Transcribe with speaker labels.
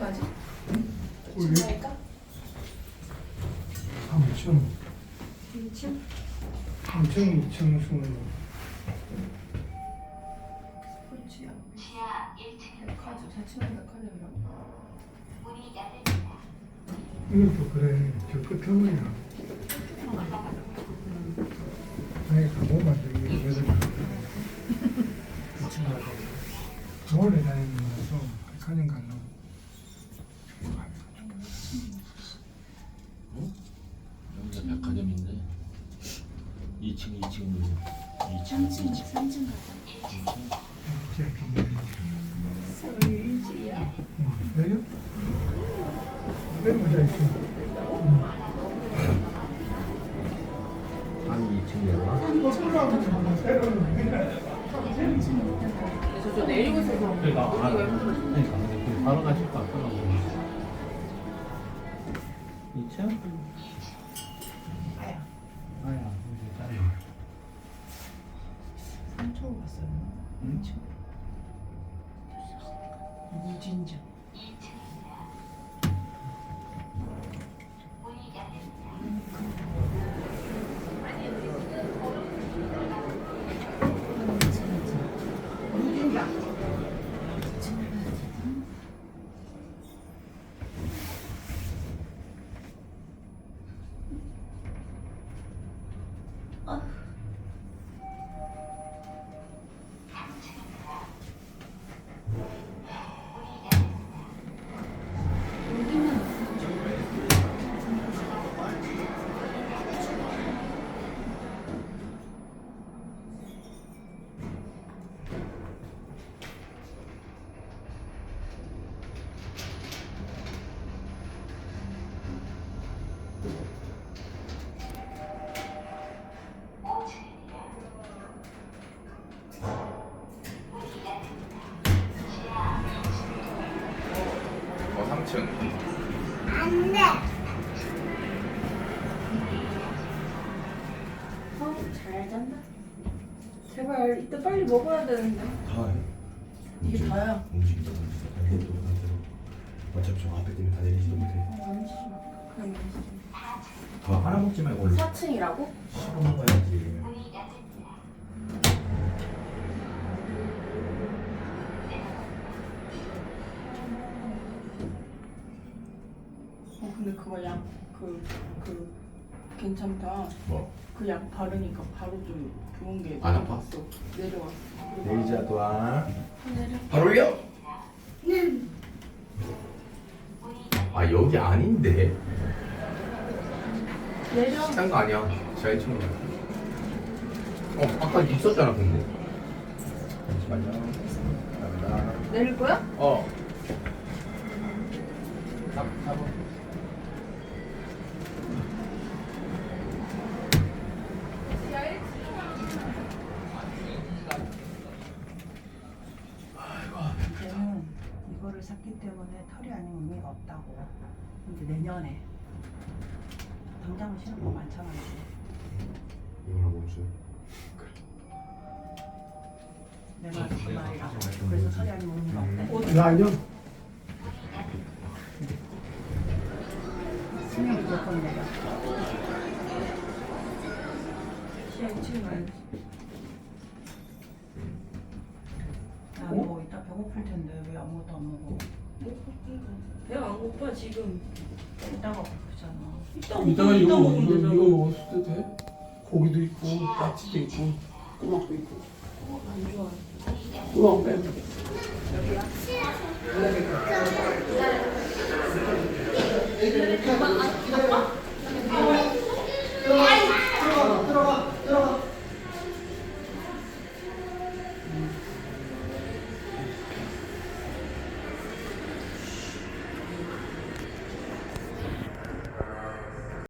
Speaker 1: 가지?
Speaker 2: 우리
Speaker 1: 2층
Speaker 2: 3층,
Speaker 1: 2층?
Speaker 2: 3층, 2층 수는
Speaker 1: 스포츠야. 백화점, 4층은 백화점이라고?
Speaker 2: 이것도 그래. 저 끝에문이야. 아니 가보면 저기 여덟 그치 맞아. 서울에 다니는 거라서 백화점 가려고.
Speaker 3: 여기가 백화점인데 2층
Speaker 1: 3층 가자. 서울지야.
Speaker 2: 내려? 내려보자 있어.
Speaker 3: 아니 2층이야.
Speaker 1: 저 내리고 있어서
Speaker 3: 그러니까 바로 가실 것 같더라고. 2층?
Speaker 1: 아야.
Speaker 3: 아야 이제 짜리.
Speaker 1: 3층 갔어요. 2층. 무진장.
Speaker 4: 어, 3층.
Speaker 1: 잘 잤나? 제발 이따 빨리 먹어야 되는데.
Speaker 5: 다 해.
Speaker 1: 이게 다야.
Speaker 5: 움직이자. 이것도 반대로. 어차피 저 앞에 때문에 다 내리지도 못해.
Speaker 1: 만지지 마. 그냥 만지지
Speaker 5: 더 하나 먹지 말고 얼른
Speaker 1: 마. 4층이라고?
Speaker 5: 씹어 먹어야지.
Speaker 1: 근데 그거 괜찮다.
Speaker 5: 뭐?
Speaker 1: 그 약 바르니까 바로 좀 좋은 게
Speaker 5: 안 아파?
Speaker 1: 내려왔어. 내려왔어.
Speaker 5: 내리자 또한.
Speaker 1: 내려.
Speaker 5: 바로 올려. 아 여기 아닌데.
Speaker 1: 내려.
Speaker 5: 딴 거 아니야. 잘 쳐. 아까 있었잖아 근데. 잠시만요. 감사합니다.
Speaker 1: 내릴 거야?
Speaker 5: 어. 잡아.
Speaker 6: 이제는 이거를 샀기 때문에 털이 아니면 의미가 없다고. 이제 내년에 당장은 신을 거 많잖아 이제.
Speaker 5: 이거나 멈춰.
Speaker 6: 내가 그 말이라고. 그래서 털이 아니면 의미가 없대.
Speaker 2: 라이언?
Speaker 6: 쓰면 무조건 내려.
Speaker 1: 시야 2층 가야지.
Speaker 6: 야너 이따 배고플 텐데 왜 아무것도 안 먹어?
Speaker 1: 배가 안 고파 지금.
Speaker 6: 이따가 배고프잖아.
Speaker 1: 이따
Speaker 2: 이따가
Speaker 1: 이따
Speaker 2: 이거
Speaker 1: 먹으면 되잖아.
Speaker 2: 먹었을 때 돼? 고기도 있고 까치도 있고 꼬막도 있고.
Speaker 1: 안 좋아.
Speaker 2: 꼬막 빼고.
Speaker 1: 아빠?